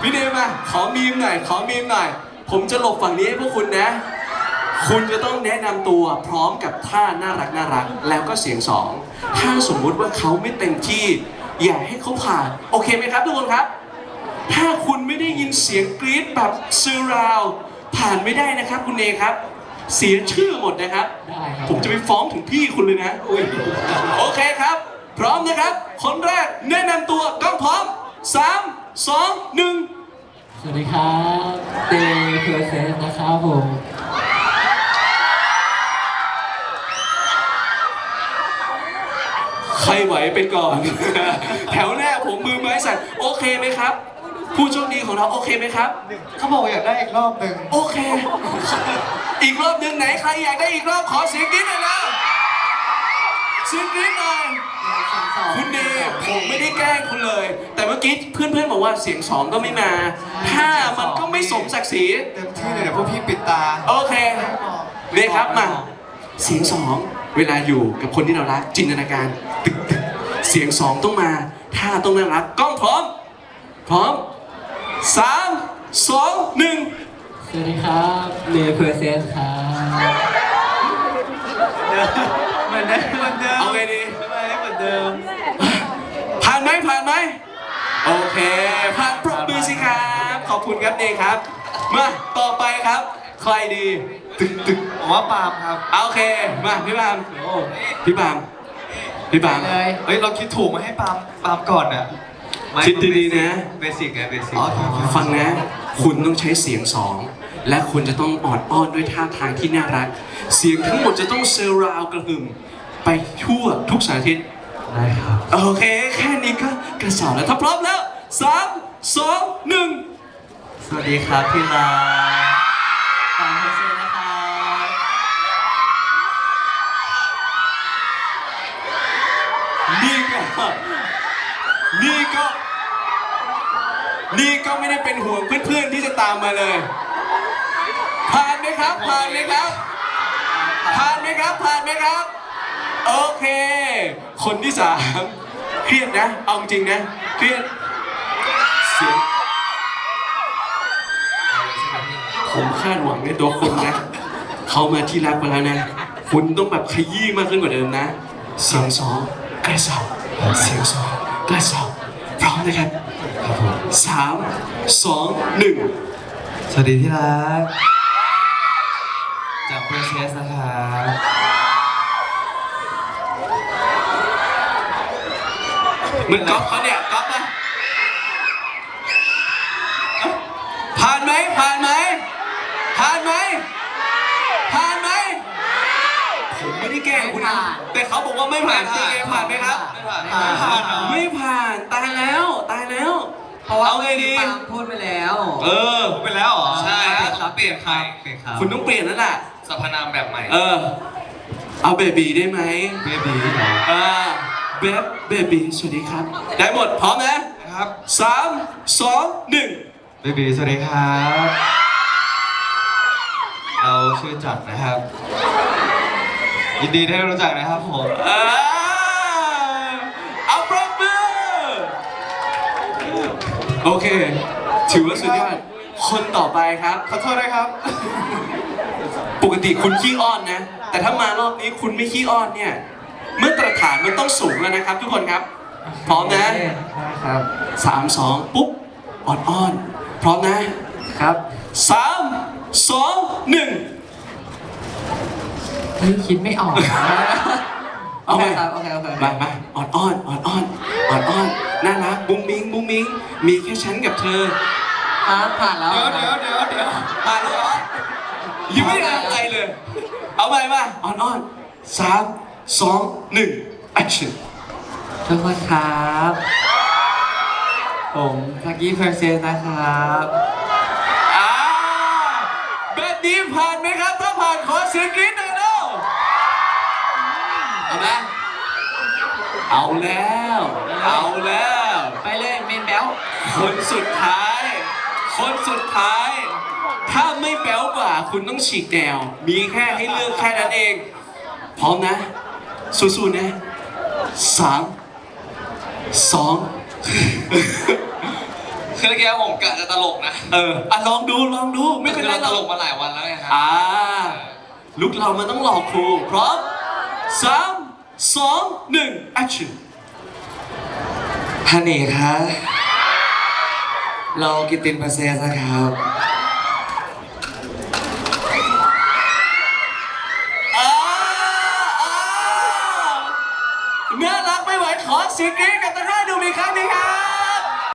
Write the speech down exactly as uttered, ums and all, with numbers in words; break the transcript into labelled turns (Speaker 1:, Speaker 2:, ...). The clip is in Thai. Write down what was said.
Speaker 1: พี่เนมมาขอมีมหน่อยขอมีมหน่อยผมจะหลบฝั่งนี้ให้พวกคุณนะคุณจะต้องแนะนำตัวพร้อมกับท่าน่ารักน่ารักแล้วก็เสียงสองถ้าสมมุติว่าเขาไม่เต็มที่อย่าให้เขาผ่านโอเคไหมครับทุกคนครับถ้าคุณไม่ได้ยินเสียงกรี๊ดแบบซีราวผ่านไม่ได้นะครับคุณเนครับเสียชื่อหมดนะครับได้ครับผมจะไปฟ้องถึงพี่คุณเลยนะโอเคครับพร้อมนะครับคนแรกแนะนำตัวกล้องพร้อมสามสองหนึ่ง
Speaker 2: สวัสดีครับเตเพอร์เซสนะครับผม
Speaker 1: ใครไหวไปก่อน แถวแรกผมมือไม้สั่นโอเคไหมครับ ผู้โชคดีของเราโอเคไหมครับ
Speaker 3: เขาบอกอยากได้อีกรอบหนึ่ง
Speaker 1: โอเค อีกรอบหนึ่งไหนใครอยากได้อีกรอบขอเสียงกรี๊ดหน่อยนะเสียงกรี๊ดหน่อยคุณเดย์ผมไม่ได้แกล้งคุณเลย แต่เมื่อกี้เพื่อนๆบอกว่าเสียงสองก็ไม่มาถ้ามันก็ไม่สมศักดิ์ศรี
Speaker 3: เต็มที่เลยเดี๋ยวพวกพี่ปิดตา
Speaker 1: โอเคเนี่ยครับมาเสียงสองเวลาอยู่กับคนที่เรารักจินตนาการตึกตึกเสียงสองต้องมาท่าต้องน่ารักกล้องพร้อมพร้อมสามสองหนึ่ง
Speaker 2: สวัสดีครับเนเพอร์เซสครับ
Speaker 3: เหมือนเดิมเหมือนเดิม
Speaker 1: เอาไงดี
Speaker 3: เหมือนเดิม
Speaker 1: ผ่านไหมผ่านไหมโอเคผ่านปรบมือสิครับขอบคุณครับเนครับมาต่อไปครับใครดี
Speaker 3: ตึกตึกผมว่าปาล์มครับ
Speaker 1: โอเคมาพี่ปาล์มพี่ปาล์มพี่ปาล์ม
Speaker 3: เลยเฮ้ยเราคิดถูกมาให้ปาล์มปาล์มก่อนอ่ะ
Speaker 1: คิดดีๆนะ
Speaker 3: เบสิกไงเบสิก
Speaker 1: ฟังนะคุณต้องใช้เสียงสองและคุณจะต้องออดอ้อนด้วยท่าทางที่น่ารักเสียงทั้งหมดจะต้องเซอร์ราวกระหึ่มไปทั่วทุกสารทิศ
Speaker 3: ได้ครับ
Speaker 1: โอเคแค่นี้ก็กระสอบแล้วถ้าพร้อมแล้วสามสองหนึ่ง
Speaker 3: สวัสดีครับพี่ลาปาล์มเพอร์เซสนะครับ
Speaker 1: นี่ก็นี่ก็นี่ก็ไม่ได้เป็นห่วงเพื่อนๆที่จะตามมาเลยผ่านไหมครับผ่านไหมครับผ่านไหมครับผ่านไหมครับโอเคคนที่สามเครียดนะเอาจริงนะเครียดเสียงผมคาดหวังในตัวคุณนะเขามาที่รักมาแล้วนะคุณต้องแบบขยี้มากขึ้นกว่าเดิมนะเสียงสองใกล้สองเสียงสองใกล้สองพร้อมนะครับสามสองหนึ่ง
Speaker 3: สวัสดีที่รักจากเพอร์เซสนะครับ
Speaker 1: เหมือนก๊อฟเขาเนี่ยก๊อฟนะผ่านไหมผ่านไหมผ่านไหมผ่านไหมผมไม่ได้แกล้งคุณนะแต่เขาบอกว่าไม่ผ่านพี่เอผ่านไหมครับไม่ผ่านไม่ผ่านตายแล้วตายแล้ว
Speaker 2: เพราะว่าเอาไงดีพูดไปแล้ว
Speaker 1: เออพูดไปแล้วเหรอ
Speaker 3: ใช่ครับเปลี่ยนใคร
Speaker 1: คุณต้องเปลี่ยนแล้วล่ะ
Speaker 3: สรรพนามแบบใหม่
Speaker 1: เออเอาเบบีได้ไหม
Speaker 3: เบบี
Speaker 1: อ่าเบฟเบบีสวัสดีครับได้หมดพร้อมนะครับสามสองหนึ่ง
Speaker 3: เบบีสวัสดีครับเราชื่อจักรนะครับยินดีได้รู้จักนะครับผม
Speaker 1: เอาปรบมือโอเคถือว่าสุดยอดคนต่อไปครับ
Speaker 3: ขอโทษนะครับ
Speaker 1: ปกติคุณขี้อ้อนนะแต่ถ้ามารอบนี้คุณไม่ขี้อ้อนเนี่ยเมื่อตรฐานมันต้องสูงแล้วนะครับทุกคนครับพร้อมนะครับสามสองปุ๊บอ่อนอ้อนพร้อมนะครับสามสองหนึ่ง
Speaker 2: คิดไม่ออก
Speaker 1: เอาไป
Speaker 2: โอเคโอเค
Speaker 1: มามาอ่อนอ้อนอ่อนอ้อนอ่อนอ้อนน่ารักบุ้งมิ้งบุ้งมิ้งมีแค่ฉันกับเธอ
Speaker 2: ผ่านแล้ว
Speaker 3: เดี๋ยวเดี๋ยวเดี๋ยวเดี๋ยว
Speaker 1: ผ่านแล้วเหรอยังไม่ได้อะไรเลยเอาไปมาอ่อนอ้อนสามสองหนึ่ง action
Speaker 2: ทุกคนครับผมทักกี้เพอร์เซสนะครับ
Speaker 1: อ่าแบบนี้ผ่านไหมครับถ้าผ่านขอเสียงกรี๊ดหน่อยแล้วเอาไหมเอาแล้วเอาแล้ว
Speaker 2: ไปเลยเมนแบล
Speaker 1: คนสุดท้ายคนสุดท้ายถ้าไม่แบ๊วกว่าคุณต้องฉีกแนวมีแค่ให้เลือกแค่นั้นเองพร้อมนะสู้ๆนะสามสอง
Speaker 3: คือเมื่อกี้ผมกะจะตลกนะ
Speaker 1: เอออ่ะลองดูลองดูไม่
Speaker 3: ไม่
Speaker 1: เป็
Speaker 3: เป็น น
Speaker 1: ไร
Speaker 3: ไร
Speaker 1: หร
Speaker 3: ต
Speaker 1: อก
Speaker 3: ลกมาหลายวันแล้วไงครั
Speaker 1: อ่าลุกเรามันต้องหลอกครูพร้อมสามสองหนึ่ง action
Speaker 2: ฮันนี่ครับเรากิตตินเพอร์เซนต์นะครับ
Speaker 1: อ่าอ่าน่ารักไม่ไหวขอเสียงกรี๊ดกับทั้งห้าดูมีครั้งหนึงครับ